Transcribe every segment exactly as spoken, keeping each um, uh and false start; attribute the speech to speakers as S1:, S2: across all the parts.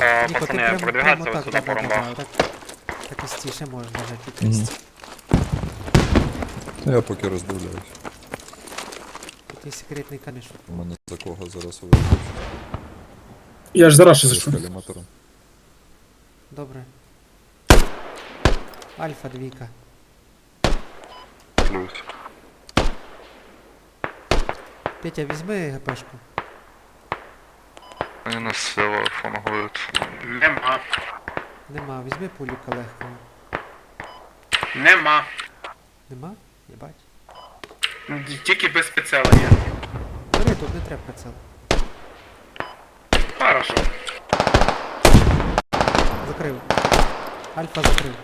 S1: Е,
S2: Ніко, ти
S1: пацани,
S2: прям,
S1: продвигаться
S2: прямо
S1: ось
S2: так,
S1: сюди
S2: да,
S1: по
S2: да, да,
S1: ромбах.
S2: да, так, так і стіше можеш нажати під
S3: Мгм.
S2: кріст.
S3: Та я поки роздивляюсь.
S2: Тут є секретний камішок.
S3: У мене за кого зараз виходить.
S4: Я ж зараз ще
S3: З
S4: зайшов.
S3: каліматором.
S2: Добре. Альфа двійка.
S1: Плюс.
S2: Петя, візьми ГПшку.
S1: Вони нас сило фангують.
S5: Нема.
S2: Нема, візьми пуліка легкого.
S5: Нема.
S2: Нема? Єбать.
S5: Тільки без прицела є.
S2: Бери, тут не треба прицел.
S5: Хорошо.
S2: Закрив. Альфа закрив.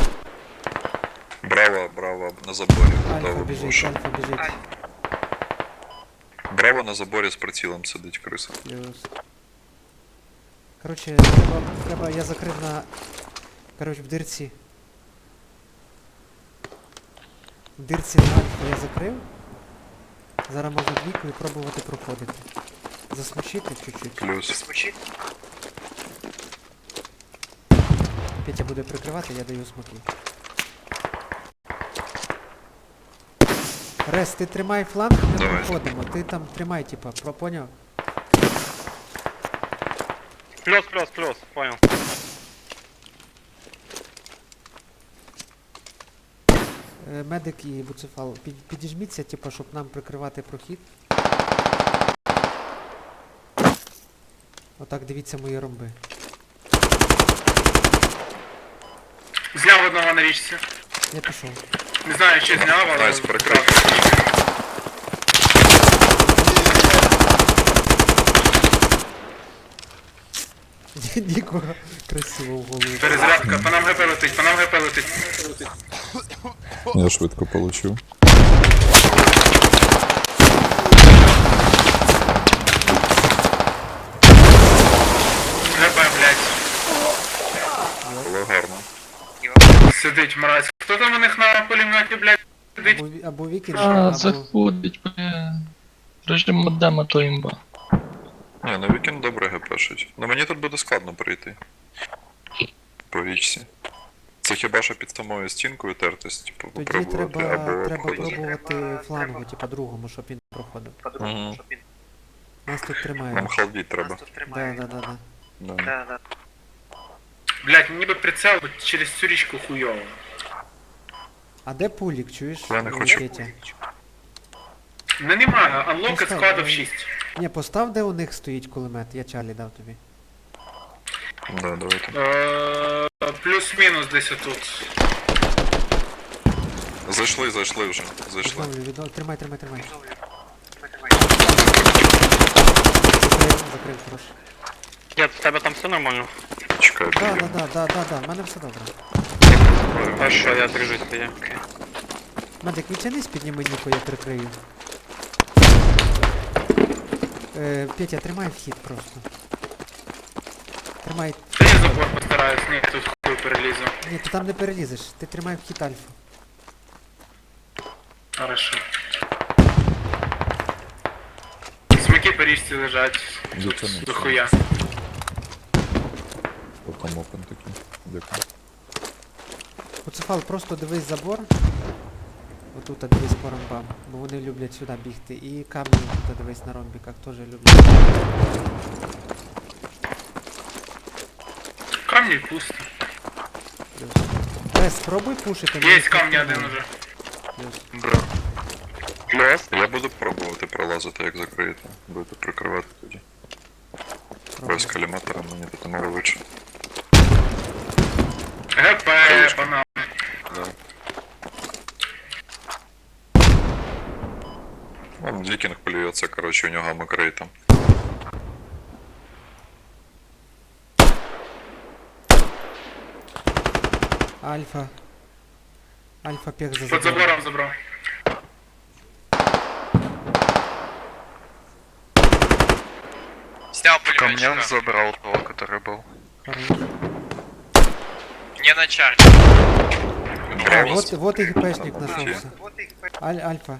S3: Браво, браво, на заборі.
S2: Альфа
S3: Готово.
S2: біжить,
S3: Прошу.
S2: альфа біжить.
S3: Браво на заборі з прицілом сидить криса.
S2: Плюс. Короче, треба, треба, я закрив на... Короче, в дирці. В дирці на альфа я закрив. Зараз можна двійкою пробувати проходити. Засмочити чуть-чуть.
S3: Плюс.
S2: Петя буде прикривати, я даю смоки. Рес, ти тримай фланг, ми
S3: Давай.
S2: проходимо. Ти там тримай, типа, про- поняв?
S1: Плюс, плюс, плюс, понял.
S2: Е, Медик і буцефал, під, підіжміться, типа, щоб нам прикривати прохід. Отак дивіться мої ромби.
S5: Зняв одного на річці.
S2: Я пішов.
S5: Не знаю, чи зняв, але...
S3: Найс, прикрив.
S2: Нікого красиво в голову.
S5: Перезарядка, по нам ГП летить, по нам ГП летить.
S3: Я швидко получив.
S5: ГП, блядь.
S3: Було гарно.
S5: Сидить мразь. Хто там у них на пулеметі, блядь, сидить?
S2: Або, ві- або вікінг,
S6: А,
S2: або...
S6: заходить, бля. Режим модема то імба.
S3: Ні, на вікенд добре гепешить. Ну мені тут буде складно прийти. По річці. Це хіба що під самою стінкою тертись, типу,
S2: Тоді
S3: попробувати,
S2: треба,
S3: або
S2: треба
S3: обходити.
S2: пробувати флангу, типа другому, щоб він проходив.
S3: Мгм.
S2: Нас тут тримає.
S3: Нам халдіть треба.
S2: Да, да, да, да.
S3: Да.
S5: Блядь, ніби прицел через цю річку хуйово.
S2: А де пулік, чуєш?
S3: Я не
S2: Е,
S3: хочу.
S2: Петя?
S5: Не немає, анлоки
S2: Постав,
S5: складов
S2: ну,
S5: шість.
S2: Ні, постав, де у них стоїть кулемет, я Чарлі дав тобі.
S3: Да, давайте.
S5: Е, Плюс-мінус десь отут.
S3: Зайшли, зайшли вже. Зайшли.
S2: Відновлю, відновлю. Тримай, тримай, тримай. Закрив, закрив, хорош.
S1: Дід, в тебе там все нормально?
S3: Чекай,
S2: Да, да,
S3: підійду.
S2: да, да, да, да, в мене все добре.
S1: Хорошо, я держусь тоді.
S2: Медик, відтянись, підніми Ніко, я прикрию. Е, Петя, тримай вхід просто. Тримай.
S5: Та я забор постараюсь, ні, тут хуй перелізу.
S2: Ні, ти там не перелізеш, ти тримай вхід альфа.
S5: Хорошо. Смоки по річці лежать.
S3: Дякую.
S5: До хуя.
S3: Отам опен такий. Дякую.
S2: Буцефал, просто дивись забор. Отут дивись по ромбам, бо вони люблять сюди бігти. І камні тут дивись на ромбіках, теж люблять.
S5: Камні пусто.
S2: Рес, спробуй пушити.
S5: Є камні один уже.
S2: Плюс.
S3: Бра. Плюс? Я буду пробувати пролазити, як закриєте. Будете прикривати тоді.
S2: Пробуй.
S3: Без каліматора мені тут мало лучше.
S5: ГП, по нам.
S3: Да. Вон Вікінг плюється, коротше, у нього макрей там.
S2: Альфа. Альфа пех за
S5: Під
S2: забором.
S5: забором забрав.
S7: Снял
S1: Камняк
S7: пулеметчика.
S1: забрал того, который был.
S2: Хорош.
S7: Не на чарте.
S2: А,
S3: Браво.
S2: вот, вот и ГПшник
S3: Там
S2: нашелся. Аль, альфа.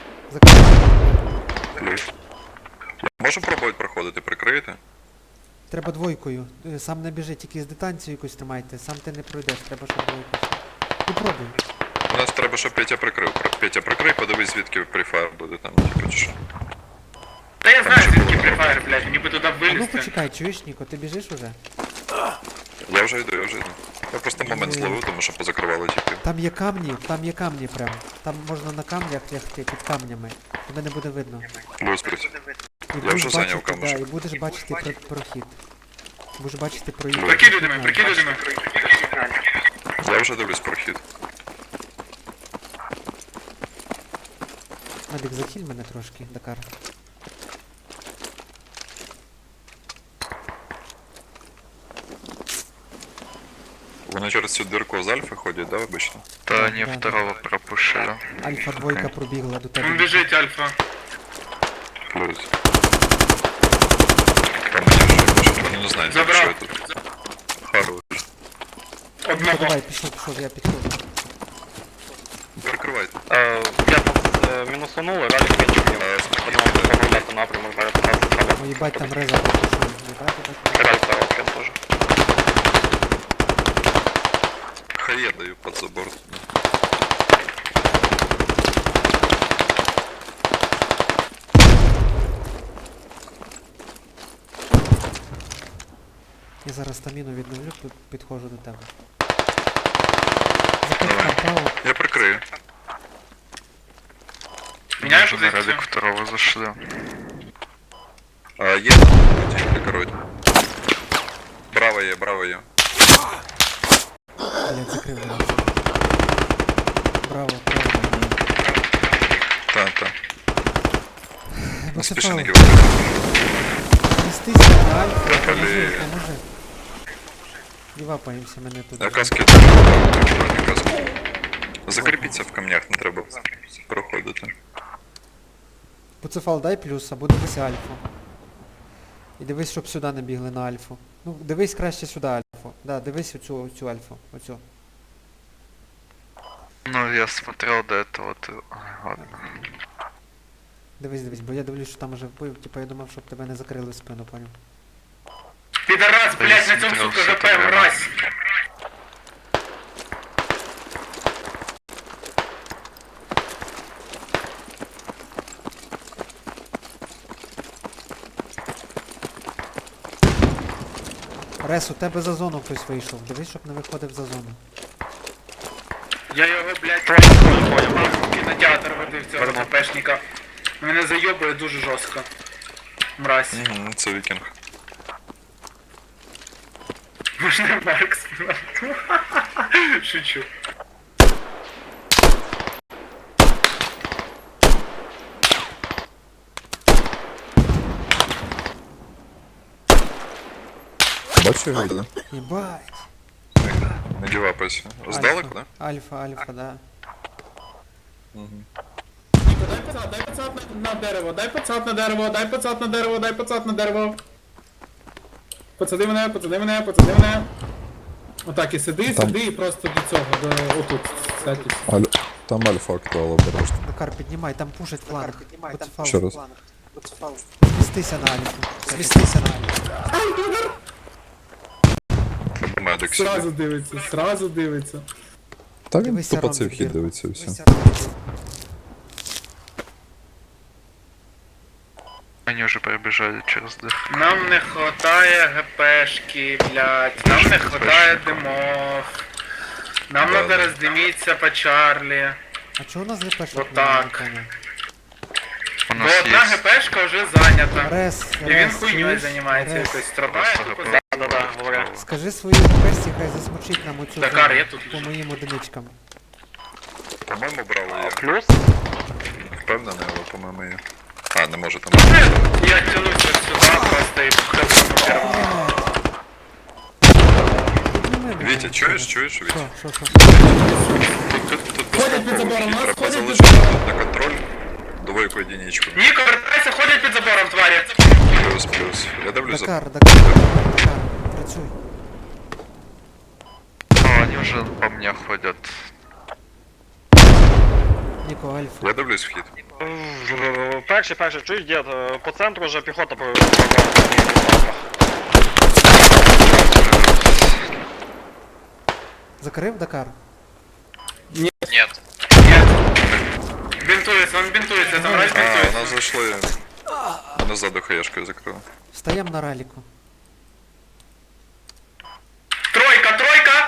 S2: Закрыл.
S3: Плюс. Можемо пробувати проходити, прикриєте?
S2: Треба двойкою. Е, Сам не біжи, тільки з дистанцію якусь тримайте. Сам ти не пройдеш, треба, щоб двойку. Ти пробуй.
S3: У нас треба, щоб Петя прикрив. Про- Петя прикрий, подивись, звідки префайр буде там, типу, чи що.
S5: Та я знаю, звідки префайр, блядь, мені би туди
S2: А ну
S5: вилізти.
S2: почекай, чуєш, Ніко, ти біжиш уже?
S3: Я вже йду, я вже йду. Я просто момент зловив, тому що позакривали тільки.
S2: Там є камні, там є камні прям. Там можна на камнях лягти під камнями. Тебе не буде видно.
S3: Плюс плюс.
S2: І
S3: Я вже зайняв
S2: бачити,
S3: камушек.
S2: да, і будеш бачити про- прохід. Будеш бачити проїзд.
S5: Прикидуй до мене, прикидуй до мене.
S3: Я вже дивлюсь прохід.
S2: Медик, захиль мене трошки, Дакар.
S3: Вони через цю дирку з альфи ходять, да, обично?
S1: Да,
S2: Да,
S1: они
S2: да,
S1: второго пропушили.
S2: Альфа двойка пробігла до тебе.
S5: Він біжить, Альфа.
S3: Плюс. Там я ще вони не знають,
S5: Забрав.
S3: що я тут. Хорош.
S2: Ну,
S5: Одного.
S2: давай, пішов, пішов, я підходжу.
S3: Прикривайте.
S1: Э, я там минусанул, и ралли пенчик мне.
S3: Е,
S1: Одного поправляться напрямок, да, это раз треба.
S2: Ой, їбать, там реза пропушив. Їбать, їбать.
S1: Ралли второго пен тоже.
S3: Хає даю під забор.
S2: Я зараз стаміну відновлю, тут підходжу до тебе. Закрив право.
S3: Я прикрию.
S5: Міняєш
S1: Уже на
S5: позицію?
S1: ралик второго зашли.
S3: А, є там путі, прикроють. Браво є, браво є.
S2: Блять, закрив раз. Браво, право.
S3: Та, та.
S2: Бо
S3: Не
S2: це
S3: спіши не
S2: фаул.
S3: кивати.
S2: Нестися на альфа,
S3: Блін.
S2: поможи, поможи. Дівапаємося мене тут.
S3: Я каски. Каски. Закріпіться в камнях, не треба проходити.
S2: Буцефал дай плюс, або дивися альфу. І дивись, щоб сюди не бігли на альфу. Ну, дивись краще сюди альфу. Да, дивись оцю, оцю альфу. Оцю.
S1: Ну, я смотрел до этого, ты... Ой, ладно.
S2: Дивись, дивись, бо я дивлюсь, що там уже вбив, типу я думав, щоб тебе не закрили в спину, поняв.
S5: Підарас, блядь, на цьому,
S1: Смотрел
S5: сука,
S1: всё
S5: ГП,
S1: это время.
S5: мразь.
S2: Рес, у тебе за зону хтось вийшов. Дивись, щоб не виходив за зону.
S5: Я його, блядь, в кінотеатр водив цього ГПшника. Мене зайобує дуже жорстко. Мразь.
S3: Угу, це вікінг.
S5: Можна Маркс? Шучу.
S3: Бачу його, да?
S2: Єбать.
S3: Не дівапайся. Здалеку, да?
S2: Альфа, альфа, да.
S5: Дай пацат, дай пацат на, на дерево, дай пацат на дерево, дай пацат на дерево, дай пацат на дерево. Пацади мене, пацади мене, пацади мене. Отак і сиди, сиди і просто до цього, до отут, кстати.
S8: Аль... Там альфа актуал обережно.
S2: Дакар, піднімай, там пушить фланг. Буцефал.
S8: Ще раз.
S2: Змістися на альфу. Змістися на альфу.
S3: Треба медик
S5: Сразу
S3: сюди.
S5: дивиться, сразу дивиться.
S8: Та він
S2: Дивися
S8: тупо
S2: раунд
S8: цей вхід
S2: збір.
S8: дивиться і все.
S2: Дивися раунд.
S1: Они уже пробежали через дых.
S5: Нам не хватає ГПшки, блядь, нам не хватає димов. Нам
S3: Да,
S5: надо
S3: да.
S5: роздиміться по Чарлі.
S2: А чого у нас ГПшник?
S5: Вот
S2: немає,
S5: так.
S2: не поняв?
S1: У
S5: Бо
S1: нас
S5: одна
S1: есть...
S5: ГПшка вже зайнята.
S2: Рес,
S5: І він
S2: Рес,
S5: хуйньою
S2: чуєш?
S5: займається
S2: Рес,
S5: якось, страдає
S1: Просто
S5: тупо.
S1: ГП.
S5: Да-да-да, говоря.
S2: скажи своїй ГПшці, хай засмучить нам оцю
S5: Дакар,
S2: зону
S5: я тут
S2: по
S5: лежу.
S2: моїм одиничкам.
S3: По-моєму, браво є.
S1: Плюс?
S3: Впевнений, але по-моєму є. А, не може там.
S5: Я тянусь вот сюда просто и хожу по первому.
S2: Підніми мене.
S3: Вітя, чуєш, чуєш, Вітя?
S2: Що, що, що?
S3: Тут, тут, тут
S5: Ходять під забором, нас
S3: треба
S5: ходять під
S3: залишити тут на контроль. Двойку единичку.
S5: Ніко, вертайся, ходять під забором, тварі.
S3: Плюс, плюс. Я дивлюсь за...
S2: Дакар, Дакар, Дакар, працюй.
S1: А, они уже по мне ходят.
S2: Ніко, альфа.
S3: Я дивлюсь вхід.
S1: Перший, перший, чуєш, дід, по центру вже піхота по...
S2: Закрив Дакар?
S7: Нет.
S5: Нет. Бинтуется, он бинтуется, там раз
S3: А, у
S5: бинтуется.
S3: нас зайшли. Мене ззаду хаєшкою закрили.
S2: Встаємо на раліку.
S5: Тройка, тройка!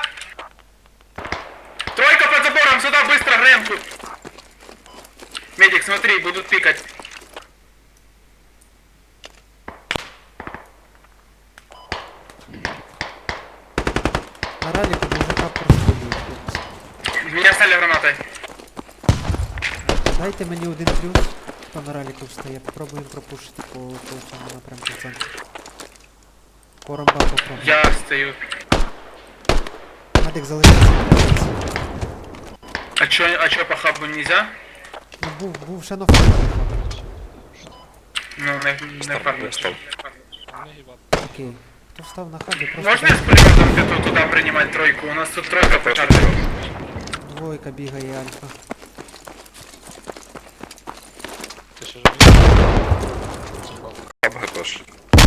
S5: Тройка под забором, сюда быстро, Гренку! Медик, смотри, будут пикать.
S2: На раліку мужика прострілюють, хлопці.
S5: Меня стали гранатой.
S2: Дайте мені один плюс, хто на раліку встає. Попробуємо пропушити по, по цьому напрямку в центрі. По ромба попробуємо.
S5: Я стою.
S2: Медик залишився.
S5: А чё, а чё по хабу нельзя?
S2: Ну, був, був ще на фронті.
S5: Ну, не, не
S3: Став,
S5: фармлю.
S3: став.
S2: Окей. Хто встав на хабі, просто
S5: Можно я с пулеметом где-то туда принимать тройку? У нас тут тройка по карте.
S2: двойка бігає альфа.
S3: Хаб ГПш.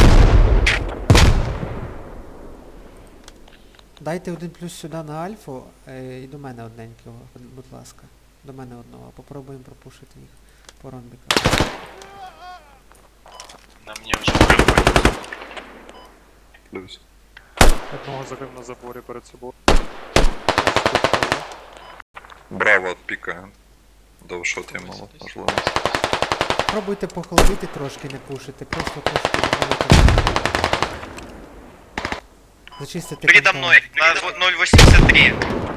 S2: Дайте один плюс сюди на альфу е, і до мене одненького, будь ласка. До мене одного. Попробуємо пропушити їх по ромбікам.
S7: На мне уже приходит.
S3: Плюс.
S9: Одного закрив на заборі перед собою.
S3: Браво відпікає. Довшот є мало, можливо.
S2: Пробуйте похолодити трошки, не пушити, просто трошки відвалити. Зачистити
S7: Передо
S2: контроль.
S7: мной, на ноль восемьдесят три.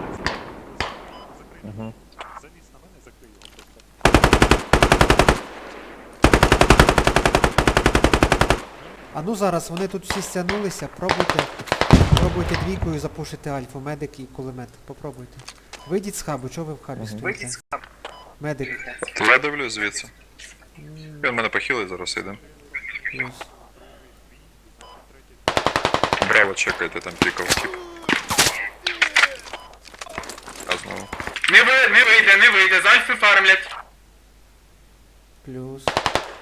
S3: Угу.
S9: Завіс на мене, закрив його просто.
S2: А ну зараз, вони тут всі стягнулися, пробуйте, пробуйте двійкою запушити альфу, медик і кулемет. Попробуйте. Вийдіть з хабу, чого ви в хабі стоїте?
S7: Выйдите с хаб.
S2: Медик.
S3: То я дивлюсь звідси. Він мене похилить, зараз йде.
S2: Плюс.
S3: Браво, чекайте, там пікав тип. А знову.
S5: Не, ви, не вийде, не вийде, з альфи фармлять.
S2: Плюс.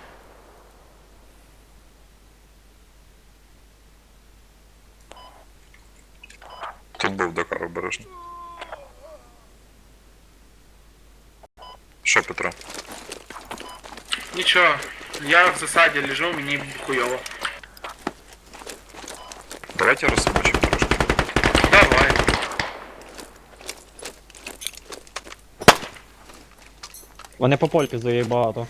S3: Тут був Дакар обережно. Що, Петро?
S5: Нічого, я в засаді лежу, мені хуйово.
S3: Давайте розсмочимо трошки.
S5: Давай.
S10: Вони по польки заїй багато.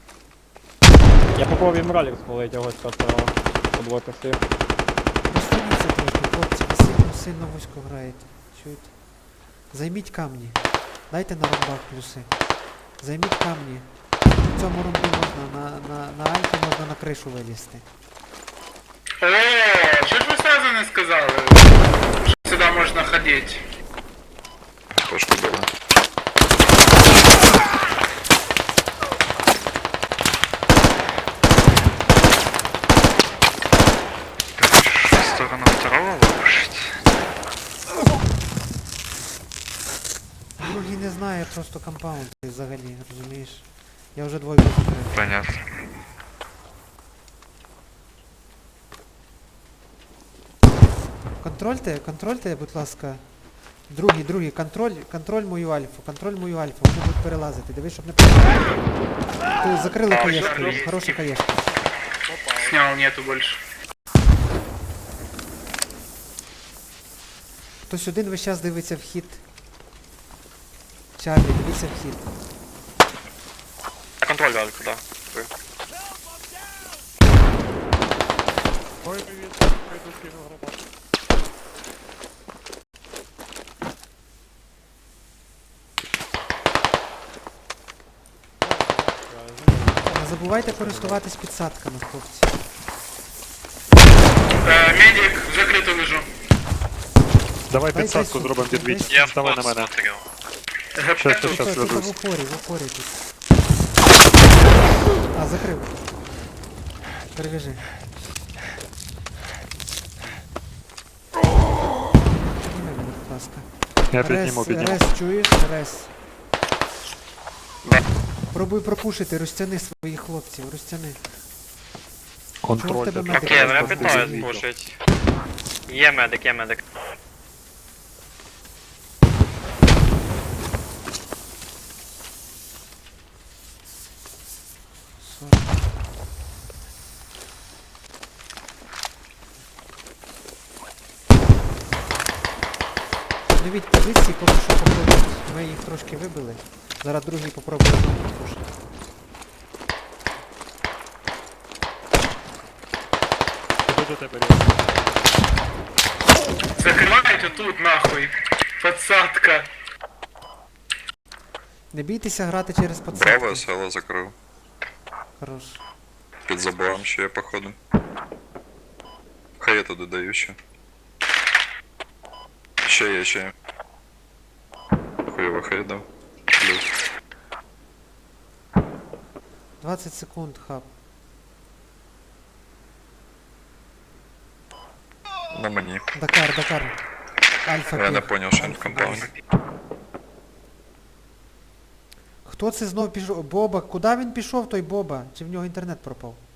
S10: Я попробую їм ралік спалити його з цього подвойка всіх.
S2: Розстаніться трохи, хлопці, ви сильно, сильно вузько граєте. Чуєте? Займіть камні. Дайте на ромбах плюси. Займіть камні. В цьому ромбі можна, на, на, на альфі можна на кришу вилізти.
S5: О, що ж ви сразу не сказали? Що сюди можна ходити?
S3: Пошку били.
S1: Ты хочешь в сторону второго вырушить?
S2: Другий не знає просто компаунд взагалі, розумієш? Я вже двойку закрив.
S1: Понятно.
S2: Контрольте, контрольте, будь ласка. Другий, другий, контроль, контроль мою альфу, контроль мою альфу, вони будуть перелазити. Дивись, щоб не перелазити. Ти закрили
S5: А,
S2: каєшку,
S5: що?
S2: хороша каєшка.
S5: Снял, нету больше.
S2: Хтось один весь час дивиться вхід. Чарлі, дивіться вхід.
S7: Контроль Альфа, да.
S9: Ой, привіт, прийду скину гранату.
S2: Не забувайте користуватись підсадками, хлопці.
S5: Е, медик, в закриту лежу.
S9: Давай
S2: Дай
S9: підсадку
S2: дай
S9: зробимо
S2: сюди,
S9: під
S2: дай
S9: віть.
S2: сюди.
S7: Я
S9: Давай
S7: вход
S9: на мене.
S7: смотрел.
S5: ГП
S9: Щас,
S5: тут.
S9: щас,
S2: Тут, тут,
S9: ведусь.
S2: в упорі, в упорі тут. А, закрив. Перевяжи. Підніми мене, будь ласка.
S9: Я
S2: Рес,
S9: підніму, підніму.
S2: Рес, чуєш? Рес. Пробуй пропушити, розтяни своїх хлопців, розтяни. Чого в
S9: Контроль.
S2: тебе
S9: де
S2: медик?
S9: так,
S7: Окей, мене
S9: просто
S7: питають
S9: дивіться.
S7: пушить. Є медик, є медик.
S2: Обновіть позиції, поки що попробують. Ми їх трошки вибили. Зараз другий попробує знову підпушити.
S9: Іду до тебе, Ріо.
S5: Закривайте тут нахуй. Подсадка.
S2: Не бійтеся грати через подсадки.
S3: Браво, село закрив.
S2: Хорош.
S3: Під забором ще є, походу. Хай я туди даю ще. Ще є, ще є. Хуйово хай дав. Плюс.
S2: двадцять секунд, хаб.
S3: На мені.
S2: Дакар, Дакар. Альфа
S3: Я не
S2: піх.
S3: поняв, що він в
S2: Альфа
S3: компауні.
S2: піх. Хто це знов пішов? Боба. Куди він пішов, той Боба? Чи в нього інтернет пропав?